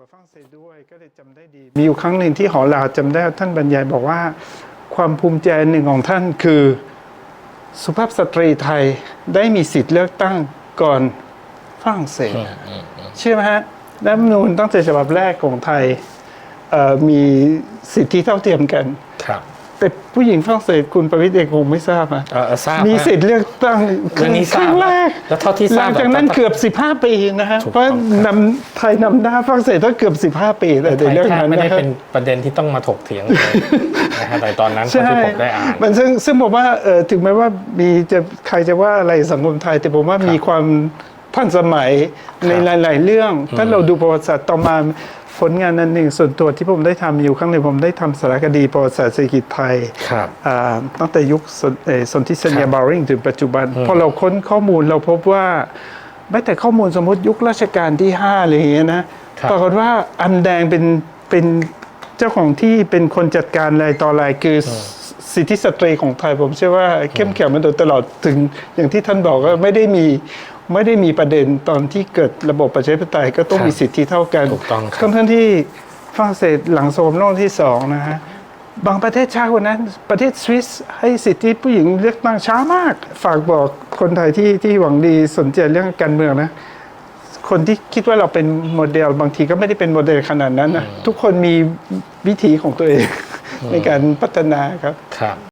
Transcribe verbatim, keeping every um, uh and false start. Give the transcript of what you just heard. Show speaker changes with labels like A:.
A: ฝรั่งเศสด้วยก็เลยจำได้ดีมีอยู่ครั้งหนึ่งที่หอลาวจำได้ท่านบรรยายบอกว่าความภูมิใจหนึ่งของท่านคือสุภาพสตรีไทยได้มีสิทธิ์เลือกตั้งก่อนฝรั่งเศสเชื่อไหมฮะรัฐธรรมนูญตั้งแต่ฉบับแรกของไทยมีสิทธิเท่าเทียมกันแต่ผู้หญิงฝรั่งเศสคุณประวิตรเองคงไม่ทราบอ่ะมีสิทธิ์เลือกตั้งครั้งแรก
B: แล้วเท่าที่ทราบ
A: หลังจากนั้นเกือบสิบห้าปีนะฮะเพราะนำไทยนำหน้าฝรั่งเศสตั้งเกือบสิบห้าปีแต่ในเรื่องนั้น
B: ไม่ได้เป็นประเด็นที่ต้องมาถกเถียงเลยนะฮะแต่ตอนนั้นที่ผมได้อ่าน
A: มันซึ่งซึ่งผมว่าถึงแม้ว่ามีจะใครจะว่าอะไรสังคมไทยแต่ผมว่ามีความทันสมัยในหลายๆเรื่องถ้าเราดูประวัติศาสตร์ต่อมาผลงานนั้นหนึ่งส่วนตัวที่ผมได้ทำอยู่ครั้งหนึ่งผมได้ทำสารคดีประวัติศาสตร์เศรษฐกิจไทยตั้งแต่ยุคสนธิสัญญาบาวริงถึงปัจจุบันพอเราค้นข้อมูลเราพบว่าแม้แต่ข้อมูลสมมติยุครัชกาลที่ห้าอะไรอย่างเงี้ยนะปรากฏว่าอำแดงเป็นเป็นเจ้าของที่เป็นคนจัดการอะไรต่ออะไรคือสิทธิสตรีของไทยผมเชื่อว่าเข้มแข็งมาโดยตลอดถึงอย่างที่ท่านบอกว่าไม่ได้มีไม่ได้มีประเด็นตอนที่เกิดระบบประชาธิปไตยก็ต้องมีสิทธิเท่ากันทั้งที่ฝรั่งเศสหลังสงครามโลกที่สองนะฮะบางประเทศช้ากว่านั้นประเทศสวิสให้สิทธิผู้หญิงเลือกตั้งช้ามากฝากบอกคนไทยที่ที่หวังดีสนใจเรื่องการเมืองนะคนที่คิดว่าเราเป็นโมเดลบางทีก็ไม่ได้เป็นโมเดลขนาดนั้นนะทุกคนมีวิถีของตัวเองในการพัฒนาครับ